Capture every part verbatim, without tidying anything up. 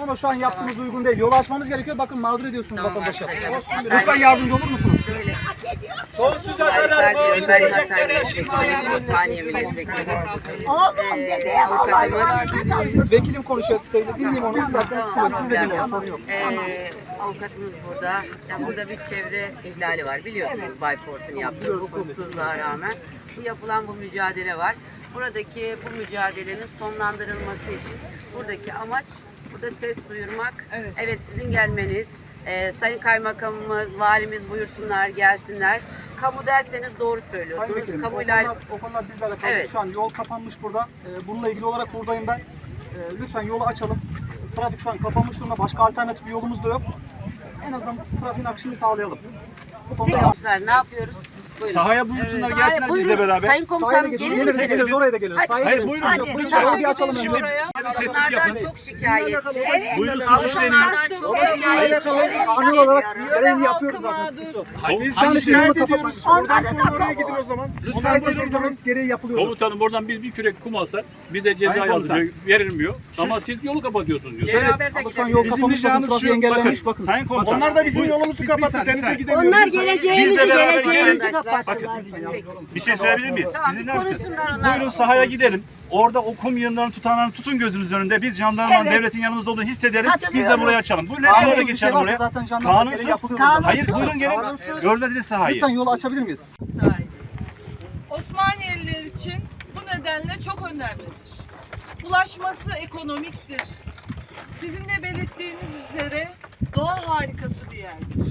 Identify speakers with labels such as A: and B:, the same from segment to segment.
A: ama şu an yaptığımız tamam. uygun değil. Yol açmamız gerekiyor. Bakın mağdur ediyorsunuz
B: tamam,
A: vatandaşı.
B: Evet.
A: Lütfen yardımcı olur musunuz?
B: Şöyle.
C: Sonsuza kadar
B: Ben Hatay Milletvekili, Osmaniye Milletvekili.
D: Oğlum dedeye
B: Avukatımız.
A: Vekilim konuşuyor. Teyze dinleyeyim onu isterseniz sıkıyorum. Siz de dinleyin. Sorun yok.
B: Ee, avukatımız burada. Yani burada bir çevre ihlali var. Biliyorsunuz Bayport'un yaptığı hukuksuzluğa rağmen. Bu yapılan bu mücadele var. Buradaki bu mücadelenin sonlandırılması için buradaki amaç burada ses duyurmak. Evet, evet sizin gelmeniz, e, Sayın Kaymakamımız, Valimiz buyursunlar, gelsinler. Kamu derseniz doğru söylüyorsunuz.
A: Vekilim,
B: Kamuyla...
A: o konular, o konular bizle alakalı.
B: Evet.
A: Şu an yol kapanmış burada. Ee, bununla ilgili olarak buradayım ben. Ee, lütfen yolu açalım. Trafik şu an kapanmış durumda. Başka alternatif bir yolumuz da yok. En azından trafiğin akışını sağlayalım. Bu konuda
B: Arkadaşlar ne yapıyoruz? Buyurun.
C: Sahaya buyursunlar,
B: Sahaya
C: gelsinler
B: buyurun.
C: bizle beraber.
B: Sayın Komutanım
A: gelir
B: gelir misiniz?
A: misiniz? Oraya da geliriz.
B: Hadi.
A: Sahaya
C: Hayır,
A: geliriz.
C: buyurun.
A: Yok,
C: Lütfen.
A: Yolu bir açalım önce.
B: Onlardan çok şikayetçi.
C: Buyurun,
B: Onlardan çok şikayetçi.
A: Kanun olarak görevini yapıyoruz zaten. Sıkıntı yok.
C: Biz
A: Yani
C: hani
A: şimdi yolu
C: şikayet
A: kapatmak.
C: ediyoruz. Oradan sonra oraya gidin o zaman. Lütfen buyurun.
A: Gereği yapılıyor.
E: Komutanım oradan biz bir kürek kum alsak bize ceza
C: Sayın
E: yazılıyor, verilmiyor. Ama siz yolu kapatıyorsunuz diyor.
C: Şöyle,
A: Ama şu an yol
C: bizim
A: kapanmış, bakın
C: ricamız
A: trafiği
C: şu,
A: engellenmiş bakın.
C: Sayın Komutan.
F: Onlar da bizim yolumuzu kapattı, denize gidemiyoruz.
D: Onlar geleceğimizi
C: Bizle beraber
D: geleceğimizi
B: gelin.
D: kapattılar bizim.
C: Bir şey söyleyebilir miyiz?
B: Tamam,
C: Siz
B: bir
C: dinler misiniz?
B: konuşsunlar onlar.
C: Buyurun sahaya gidelim. Orada o kum yığınlarını tutanlarını tutun gözümüzün önünde. Biz jandarmanın, devletin yanımızda olduğunu hissedelim. Biz de buraya açalım. Buyurun hep
A: Kanunsuz
C: oraya
A: bir şey
C: geçelim
A: varsa
C: buraya.
A: zaten jandarma gereği
C: Kanunsuz.
A: yapılıyor.
C: Hayır buyurun gelin. Görmediniz sahayı.
A: Lütfen yolu açabilir miyiz?
G: sahibi. Osmaniyeliler için bu nedenle çok önemlidir. Ulaşması ekonomiktir. Sizin de belirttiğiniz üzere doğa harikası bir yerdir.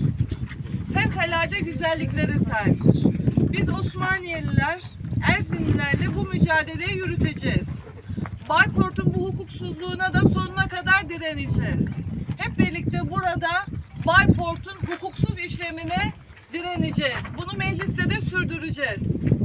G: Fevkalade güzelliklere sahiptir. Biz Osmaniyeliler, Erzinlilerle bu mücadeleyi yürüteceğiz. Bayport'un bu hukuksuzluğuna da sonuna kadar direneceğiz. Hep birlikte burada Bayport'un hukuksuz işlemine direneceğiz. Bunu mecliste de sürdüreceğiz.